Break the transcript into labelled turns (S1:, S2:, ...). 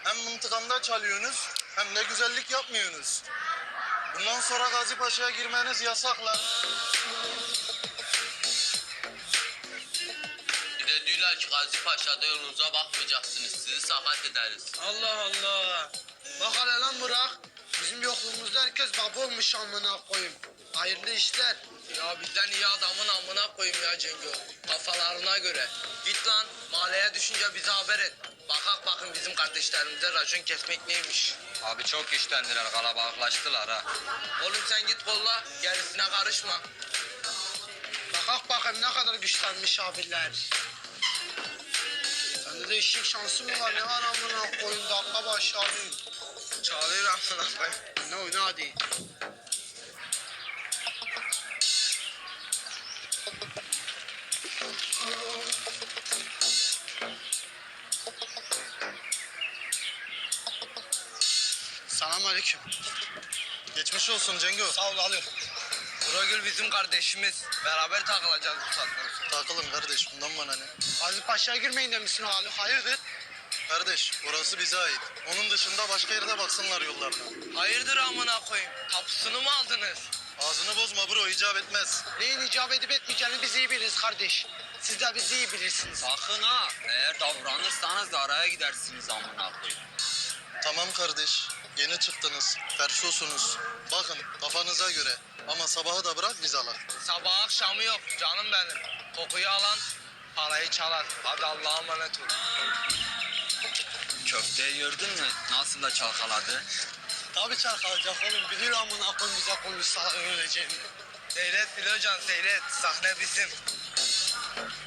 S1: Hem mıntıkamda çalıyorsunuz hem de güzellik yapmıyorsunuz. Bundan sonra Gazi Paşa'ya girmeniz yasak lan.
S2: Bir de diyorlar ki Gazi Paşa'da yolunuza bakmayacaksınız. Sizi sakat ederiz.
S3: Allah Allah. Bak hele lan Burak. Bizim yokluğumuzda herkes baba olmuş amına koyayım. Hayırlı işler.
S2: Ya bizden iyi adamın amına koyayım ya Cengo. Kafalarına göre. Git lan mahalleye düşünce bize haber et. Bakın bizim kardeşlerimize racon kesmek neymiş.
S4: Abi çok güçlendiler, kalabalıklaştılar ha.
S2: Oğlum sen git kolla gerisine karışma.
S3: Bakak bakayım ne kadar güçlenmiş abiler. Sende de eşek şansı mı var? Ne var amına koyayım? Dakika başı alayım.
S2: Çağırıyor amına koyayım.
S3: Ne oyna hadi. Selamünaleyküm.
S1: Geçmiş olsun Cengo.
S3: Sağ ol alıyorum.
S2: Buragül bizim kardeşimiz. Beraber takılacağız bu saatten sonra.
S1: Takılın kardeş, bundan bana ne?
S3: Gazi Paşa'ya girmeyin demişsin Ali. Hayırdır?
S1: Kardeş, orası bize ait. Onun dışında başka yerde baksınlar yollarına.
S2: Hayırdır amına koyayım? Tapusunu mu aldınız?
S1: Ağzını bozma bro, icap etmez.
S3: Neyin icap edip etmeyeceğini biz iyi biliriz kardeş. Siz de bizi iyi bilirsiniz.
S4: Sakın ha, eğer davranırsanız da araya gidersiniz amına koyayım.
S1: Tamam kardeş, yeni çıktınız, ferşosunuz. Bakın kafanıza göre. Ama sabahı da bırak biz alak.
S2: Sabah akşamı yok canım benim. Kokuyu alan parayı çalar. Hadi Allah'a emanet ol.
S4: Köfteyi gördün mü? Nasıl da çalkaladı?
S3: Tabii çarkalacak oğlum. Biliyor amına koyayım bize konuşsa öleceğini.
S2: Seyret Filocan seyret. Sahne bizim.